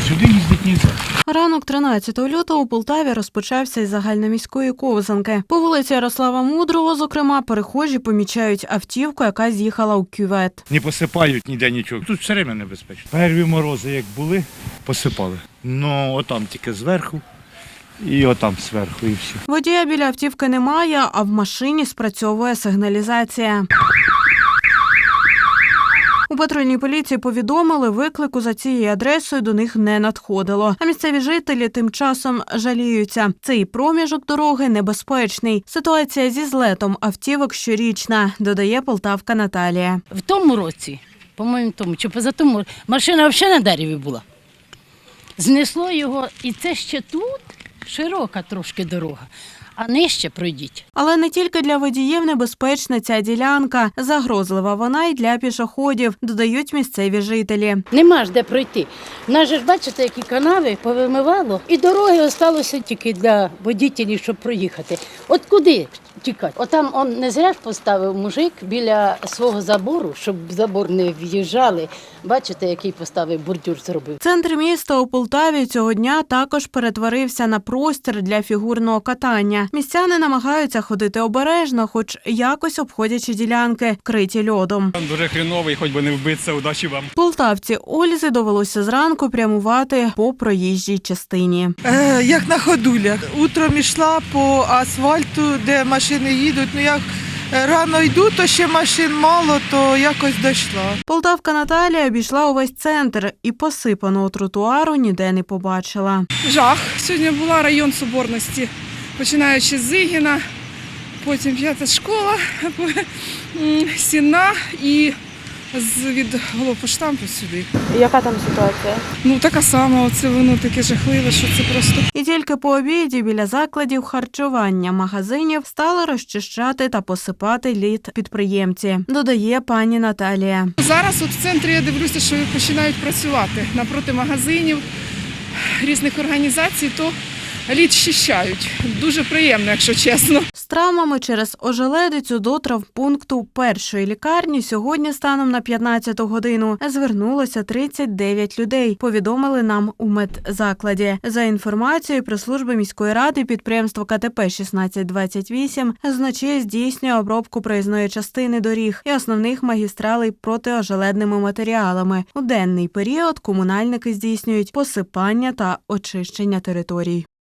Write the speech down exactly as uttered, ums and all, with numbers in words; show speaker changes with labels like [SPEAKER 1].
[SPEAKER 1] Сюди їздити не можна.
[SPEAKER 2] Ранок тринадцятого лютого у Полтаві розпочався із загальноміської ковзанки. По вулиці Ярослава Мудрого, зокрема, перехожі помічають автівку, яка з'їхала у кювет.
[SPEAKER 1] Не посипають ніде нічого. Тут все время небезпечно. Перві морози, як були, посипали. Ну, отам тільки зверху і отам зверху, і все.
[SPEAKER 2] Водія біля автівки немає, а в машині спрацьовує сигналізація. У патрульній поліції повідомили, виклику за цією адресою до них не надходило. А місцеві жителі тим часом жаліються. Цей проміжок дороги небезпечний. Ситуація зі злетом автівок щорічна, додає полтавка Наталія.
[SPEAKER 3] В тому році, по-моєму, тому, чи позатому, машина взагалі на дереві була. Знесло його, і це ще тут широка трошки дорога. А нижче пройдіть.
[SPEAKER 2] Але не тільки для водіїв небезпечна ця ділянка. Загрозлива вона й для пішоходів, додають місцеві жителі.
[SPEAKER 3] Нема ж де пройти. В нас же ж, бачите, які канави повимивало. І дороги залишилося тільки для водітелів, щоб проїхати. От куди тікати? Отам он не зря ж поставив мужик біля свого забору, щоб в забор не в'їжджали. Бачите, який поставив бордюр зробив.
[SPEAKER 2] Центр міста у Полтаві цього дня також перетворився на простір для фігурного катання. Містяни намагаються ходити обережно, хоч якось обходячи ділянки, вкриті льодом.
[SPEAKER 4] Дуже хріновий, хоч би не вбитися, удачі вам.
[SPEAKER 2] Полтавці Ользі довелося зранку прямувати по проїжджій частині.
[SPEAKER 5] Е, як на ходулях. Утром йшла по асфальту, де машини їдуть. Ну як рано йду, то ще машин мало, то якось дійшла.
[SPEAKER 2] Полтавка Наталія обійшла увесь центр і посипаного тротуару ніде не побачила.
[SPEAKER 6] Жах. Сьогодні була район Соборності, починаючи з Зигіна, потім п'ята школа, Сіна і від головпоштампу сюди.
[SPEAKER 2] Яка там ситуація?
[SPEAKER 6] Ну така сама, оце воно таке жахливе, що це просто.
[SPEAKER 2] І тільки по обіді біля закладів харчування магазинів стали розчищати та посипати лід підприємці, додає пані Наталія.
[SPEAKER 6] Зараз от в центрі я дивлюся, що починають працювати напроти магазинів, різних організацій, то лід щищають. Дуже приємно, якщо чесно.
[SPEAKER 2] З травмами через ожеледицю до травмпункту першої лікарні сьогодні станом на п'ятнадцяту годину звернулося тридцять дев'ять людей, повідомили нам у медзакладі. За інформацією прес-служби міської ради, підприємство ка те пе шістнадцять двадцять вісім значить здійснює обробку проїзної частини доріг і основних магістралей протиожеледними матеріалами. У денний період комунальники здійснюють посипання та очищення територій.